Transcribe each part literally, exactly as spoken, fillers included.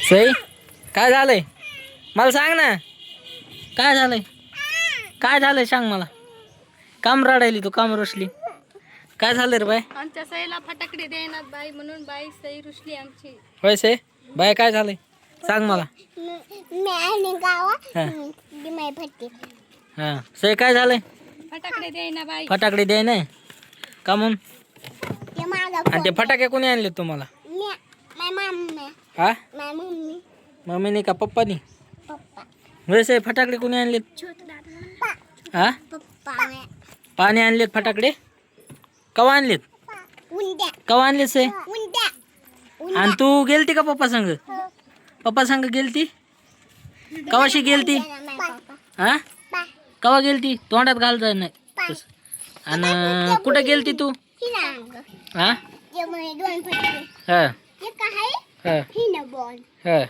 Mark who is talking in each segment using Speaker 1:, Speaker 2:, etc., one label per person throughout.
Speaker 1: सई काय झालंय मला सांग ना. काय झालंय काय झालंय सांग मला. काम रडायली तू काम रुसली. काय झालं रे बाय.
Speaker 2: आमच्या सईला फटाकडे देणार बाई म्हणून बाई सई रुसली आमची.
Speaker 1: होय सई बाय काय झालंय सांग मला. हा सई काय झालंय.
Speaker 2: फटाकडे देईना बाई.
Speaker 1: फटाकडे द्याय नाही का म्हणून. आणि ते फटाके कोणी आणले तुम्हाला. हा मम्मीने का पप्पानी. वैसे फटाकडे कोणी आणलेत. हा पाणी आणलेत फटाकडे. कवा आणलेत कवा आणलेत से. आणि तू गेलती का पप्पा संग. पप्पा संग गेलती कवाशी गेलती. हा कवा गेलती तोंडात घाल जाय नाही. आणि कुठं गेलती तू. हा हा हा हा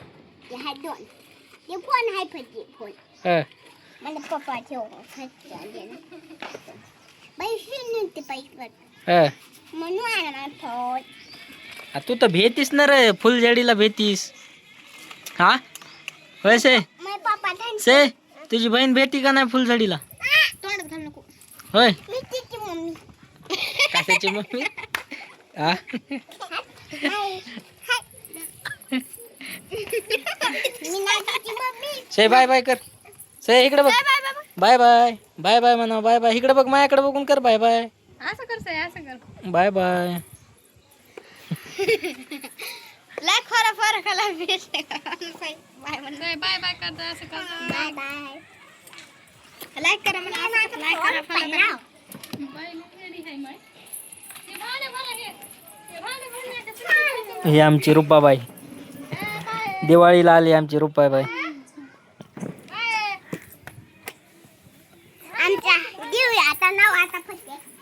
Speaker 1: हा
Speaker 3: मला पप्पा ठेव
Speaker 1: हा.
Speaker 3: म्हणून
Speaker 1: आ, तू तर भेतीस ना रे फुलझडीला भेतीस. हा होय से से तुझी बहीण भेटी का नाही फुलझडीला.
Speaker 3: तोंडात घाल नको.
Speaker 1: होय
Speaker 3: मी तिची मम्मी.
Speaker 1: कशाची मम्मी. हा
Speaker 3: मी नाही तिची मम्मी.
Speaker 1: से बाय बाय कर. से इकडे बघ. बाय बाय बाय बाय म्हणा. बाय बाय इकडे बघ माझ्याकडे बघून कर. बाय बाय
Speaker 2: असं कर सई असं कर.
Speaker 1: Bye bye.
Speaker 3: लय खरं फरक आला भेटले बाय म्हण.
Speaker 2: सई बाय बाय करता असं कर.
Speaker 3: Bye bye. लाईक करा मला. लाईक करा फॉलो.
Speaker 2: बाई रेडी आहे माय. हे भाले भरा हे. हे भाले भरण्याचे.
Speaker 1: ही आमची रुपाबाई. दिवाळीला आली आमची रुपाबाई.
Speaker 3: आमच्या देऊया आता नाव आता फक्त